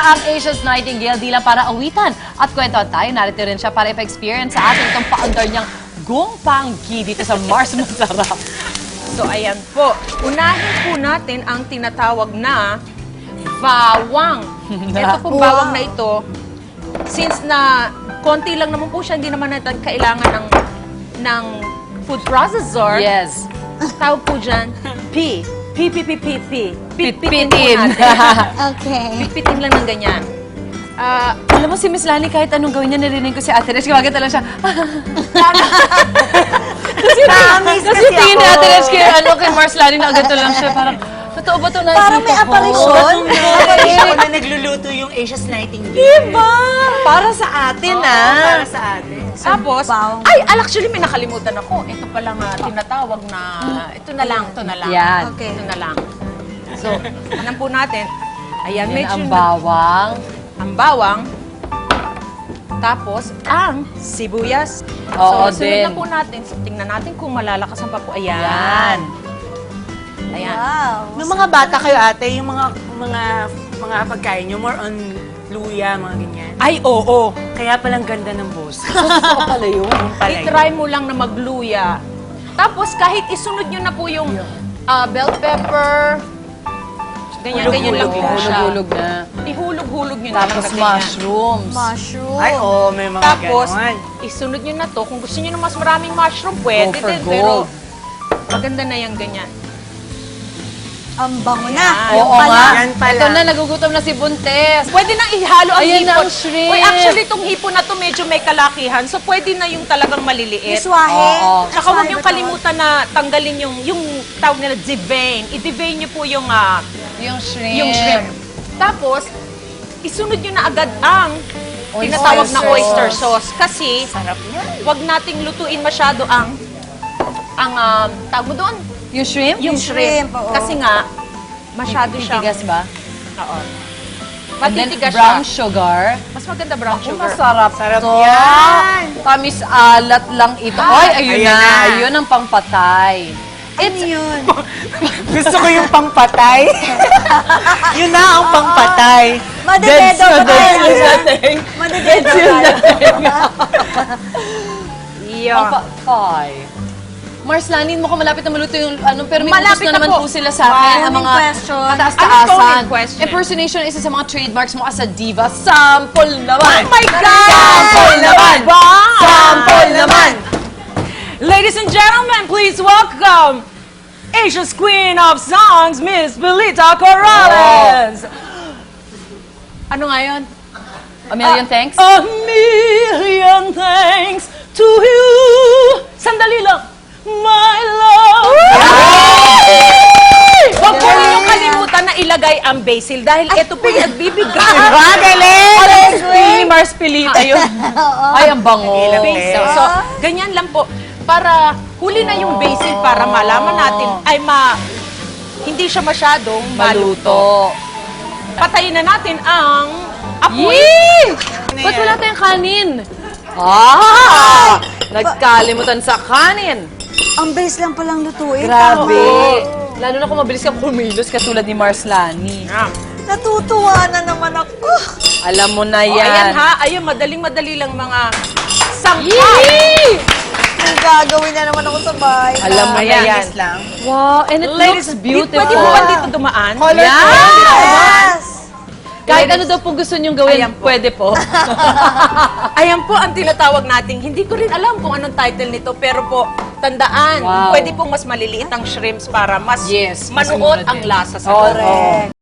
ang Asia's Nightingale di lang para awitan at kwentuhan tayo. Narito rin siya para ipa-experience sa atin itong paandar niyang gongpanggi dito sa Mars Masarap. So, ayan po. Unahin po natin ang tinatawag na bawang. Ito pong bawang na ito, since na konti lang naman po siya, hindi naman natin kailangan ng food processor. Yes. Tawag po dyan, P. Pitpitin po Pitpitin. natin. Okay. Pitpitin lang ng ganyan. Alam mo si Miss Lani, kahit anong gawin niya, narinig ko si Ate Resh, gumagata lang siya. Kasi tingin ni Ate Resh kay Mars Lani na agad lang siya. Parang, totoo ba ito na? Parang may apparition. Ako na nagluluto yung Asia's Nightingale. Diba? Para sa atin, Para sa atin. Tapos, bawang. actually may nakalimutan ako. Ito pala nga tinatawag na, ito na lang. Yan. Okay. Ito na lang. So, alam po natin, ayan, Yan medyo ang bawang. ang bawang, tapos ang sibuyas. Oo, so, sunod din. na po natin. So, tingnan natin kung malalakasan pa po. Ayan. Yan. Ayan. Wow. Nung mga bata kayo ate, yung mga pagkain nyo, more on luya, mga ganyan. Ay, oo. Kaya palang ganda ng boss. Totoo pala yun. I-try mo lang na magluya. Tapos, kahit isunod nyo na po yung bell pepper, ganyan-ganyan lang po siya. Hulog-hulog na. Ihulog-hulog nyo na lang Tapos na ganyan. mushrooms. Mushroom. Ay, oo, may mga Tapos, ganon. isunod nyo na to. Kung gusto nyo ng mas maraming mushroom, pwede Go for din. Pero, gold. maganda na yung ganyan. Ang bango na. Ayan. Oo Yung nga. Yan pala. Ito na, nagugutom na si Buntes. Pwede nang ihalo ang Ayan na hipon. ang shrimp. Uy, actually, itong hipon na to medyo may kalakihan. So, pwede na yung talagang maliliit. Iswahe. Oo. Tsaka huwag niyong kalimutan na tanggalin yung tawag nila devein. I-devein niyo po yung shrimp. Tapos, isunod niyo na agad ang tinatawag na oyster sauce. Kasi, Sarap yan. huwag nating lutuin masyado ang tawag mo doon? Yung shrimp? Yung shrimp. shrimp, oo. Kasi nga, masyado siyang... Titigas ba? Oo. And then Matitigas brown siya. sugar. Mas maganda brown Ang sugar. masarap Sarap to. yan. Tamis alat lang ito. Ay, ayun Ayan na. na. Ayun ang pangpatay. Ano yun? Gusto ko yung pangpatay. Yun na ang pangpatay. Madededo ba tayo? dating. Madededo Yeah. Pangpatay. Mars, lanin mo kung malapit na maluto yung pero may Malapit utos na na naman po. po sila sa akin. Ang Wow. mga Question. kataas-taasan. Ano phone question? Impersonation isa sa mga trademarks mo as a diva. Sample naman! Oh my God! Sample naman! Wow! Sample naman! Ladies and gentlemen, please welcome Asia's Queen of Songs, Miss Belita Corrales. Ano nga yun? A million thanks? A million thanks to you. Sandali lang. My love. Huwag po ninyong kalimutan na ilagay ang basil dahil ito po yung nagbibigay. Ni Mars Pilita yun. Ay, ang bango. Basil. So, ganyan lang po. Para huli na yung basil para malaman natin ay hindi siya masyadong maluto. Patayin na natin ang apoy. Yee! Ba't wala tayong kanin? Nagkalimutan sa kanin. Ang base lang palang lutuin. Grabe. Lalo na kung mabilis ka kumilos katulad ni Mars Lani. Natutuwa na naman ako. Alam mo na O, ayan yan. ha, ayun, madaling-madali lang mga sangkap. Yee! May gagawin na naman ako sa bahay. Alam mo na Ayan. yan. lang. Wow, and it looks beautiful. Pwede mo ba dito dumaan? Yes! Kahit ano daw po gusto niyong gawin, Ayan po. pwede po. Ayan po ang tinatawag nating, hindi ko rin alam kung anong title nito, pero po, tandaan, Wow. pwede pong mas maliliit ang shrimps para mas Yes, mas manuot mura ang din. lasa sa Oo. loob.